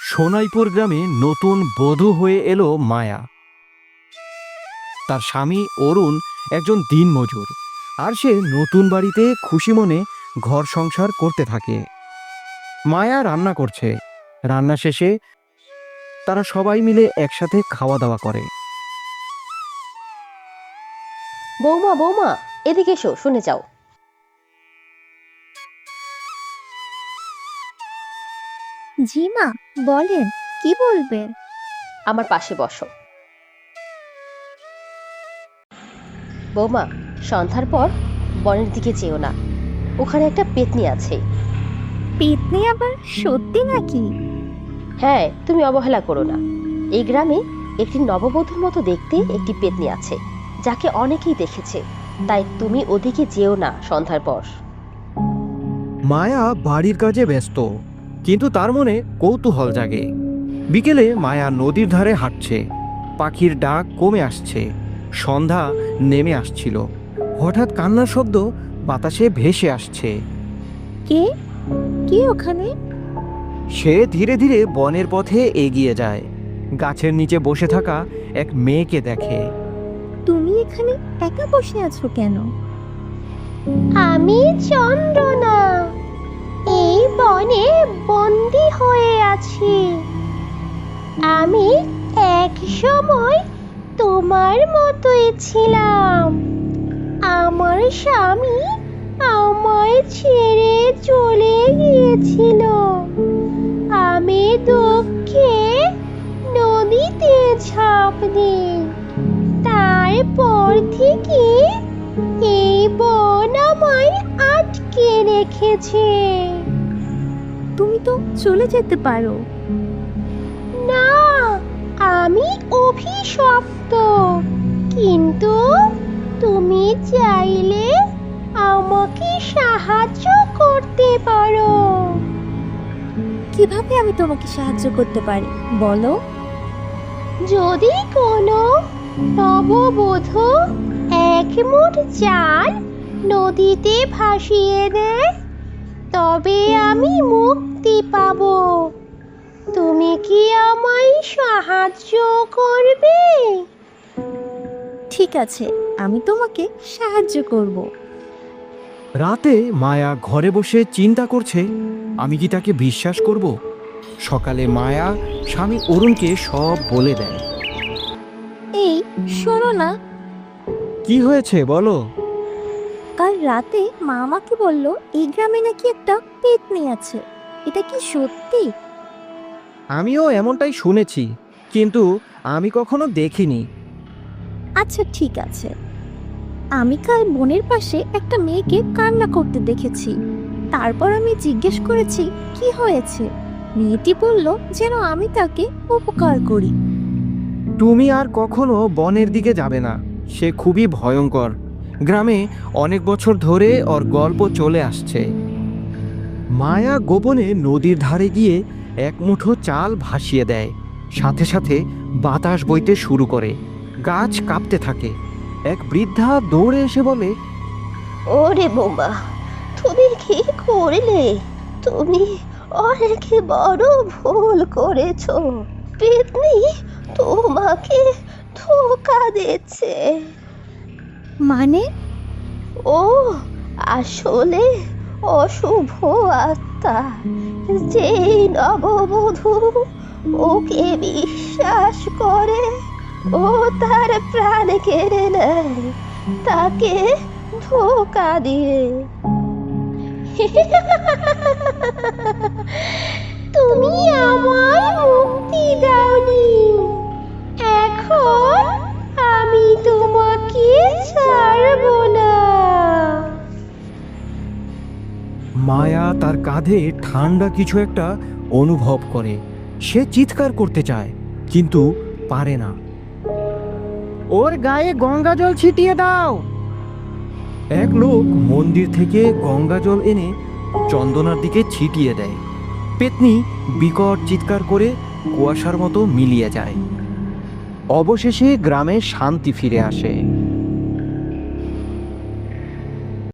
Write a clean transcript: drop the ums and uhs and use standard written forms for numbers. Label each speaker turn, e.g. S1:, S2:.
S1: সোনাইপুর গ্রামে নতুন বধূ হয়ে এলো মায়া। তার স্বামী অরুণ একজন দিনমজুর, আর সে নতুন বাড়িতে খুশি মনে ঘর সংসার করতে থাকে। মায়া রান্না করছে। রান্না শেষে তারা সবাই মিলে একসাথে খাওয়া দাওয়া করে।
S2: বৌমা বৌমা, এদিকে এসো, শুনে যাও।
S3: জি মা, বলেন কি বলবেন।
S2: আমার পাশে বসো। বৌমা, সন্ধ্যার পর বনের দিকে যেও না, ওখানে একটা পেতনি আছে।
S3: পেতনি আবার সত্যি নাকি?
S2: হ্যাঁ, তুমি অবহেলা করো না। এই গ্রামে একটি নববধূর মতো দেখতে একটি পেতনি আছে, যাকে অনেকেই দেখেছে। তাই তুমি ওদিকে যেও না সন্ধ্যার পর।
S1: মায়া বাড়ির কাজে ব্যস্ত, কিন্তু তার মনে কৌতূহল জাগে। বিকেলে মায়া নদীর ধারে হাঁটছে। পাখির ডাক কমে আসছে, সন্ধ্যা নেমে আসছিল। হঠাৎ কান্নার শব্দ বাতাসে ভেসে আসছে।
S3: কে কে ওখানে?
S1: সে ধীরে ধীরে বনের পথে এগিয়ে যায়। গাছের নিচে বসে থাকা এক মেয়েকে দেখে।
S3: তুমি এখানে একা বসে আছো কেন?
S4: আমি চন্দ্রনা, এই বনে বন্দি হয়ে আছি। আমি এক সময় তোমার মতোই ছিলাম। আমার স্বামী আমায় ছেড়ে চলে গিয়েছিল। আমি দুঃখে নদীতে ঝাঁপ দিই। তারপর থেকে এই বন আমায় আটকে রেখেছে।
S3: তুমি তো চলে যেতে পারো।
S4: না, আমি অভিশপ্ত। কিন্তু তুমি চাইলে আমাকে সাহায্য করতে পারো।
S3: কিভাবে আমি তোমাকে সাহায্য করতে পারি বলো?
S4: যদি কোনো নববধূ এক মুঠ চাল নদীতে ভাসিয়ে দেয়, তবে আমি মুক্তি পাব। তুমি কি আমায় সাহায্য করবে?
S3: ঠিক আছে, আমি তোমাকে সাহায্য করব।
S1: রাতে মায়া ঘরে বসে চিন্তা করছে, আমি কি তাকে বিশ্বাস করব? সকালে মায়া স্বামী অরুণকে সব বলে দেয়।
S3: এই শোনো না,
S1: কি হয়েছে বলো?
S3: কাল রাতে মা আমাকে বলল এই গ্রামে নাকি একটা পেতনি আছে। এটা কি সত্যি?
S1: আমিও এমনটাই শুনেছি, কিন্তু আমি কখনো দেখিনি।
S3: আচ্ছা ঠিক আছে। আমি কাল বনের পাশে একটা মেয়েকে কান্না করতে দেখেছি। তারপর আমি জিজ্ঞেস করেছি কি হয়েছে। মেয়েটি বলল যেন আমি তাকে উপকার করি।
S1: তুমি আর কখনো বনের দিকে যাবে না, সে খুবই ভয়ঙ্কর। গ্রামে অনেক বছর ধরে ওর গল্প চলে আসছে। মায়া গোপনে নদীর ধারে গিয়ে এক মুঠো চাল ভাসিয়ে দেয়। সাথে সাথে বাতাস বইতে শুরু করে, গাছ কাঁপতে থাকে। এক বৃদ্ধা দৌড়ে এসে বলে,
S4: ওরে বোমা, তুমি কি করলে? তুমি অনেক বড় ভুল করেছো। পেতনি তোমাকে ধোঁকা দিচ্ছে।
S3: মানে?
S4: ও আসলে অশুভ আত্মা। যে নববধূ ওকে বিশ্বাস করে, ও তার প্রাণ কেড়ে নেয়, তাকে ধোঁকা দিয়ে। তুমি আমায় মুক্তি দাওনি, এখন আমি তোমাকে ছাড়ব না।
S1: মায়া তার কাঁধে ঠান্ডা কিছু একটা অনুভব করে। সে চিৎকার করতে চায়, কিন্তু পারে না। ওর গায়ে গঙ্গা জল ছিটিয়ে দাও। এক লোক মন্দির থেকে গঙ্গা জল এনে চন্দনার দিকে ছিটিয়ে দেয়। পেতনি বিকট চিৎকার করে কুয়াশার মতো মিলিয়ে যায়। অবশেষে গ্রামে শান্তি ফিরে আসে।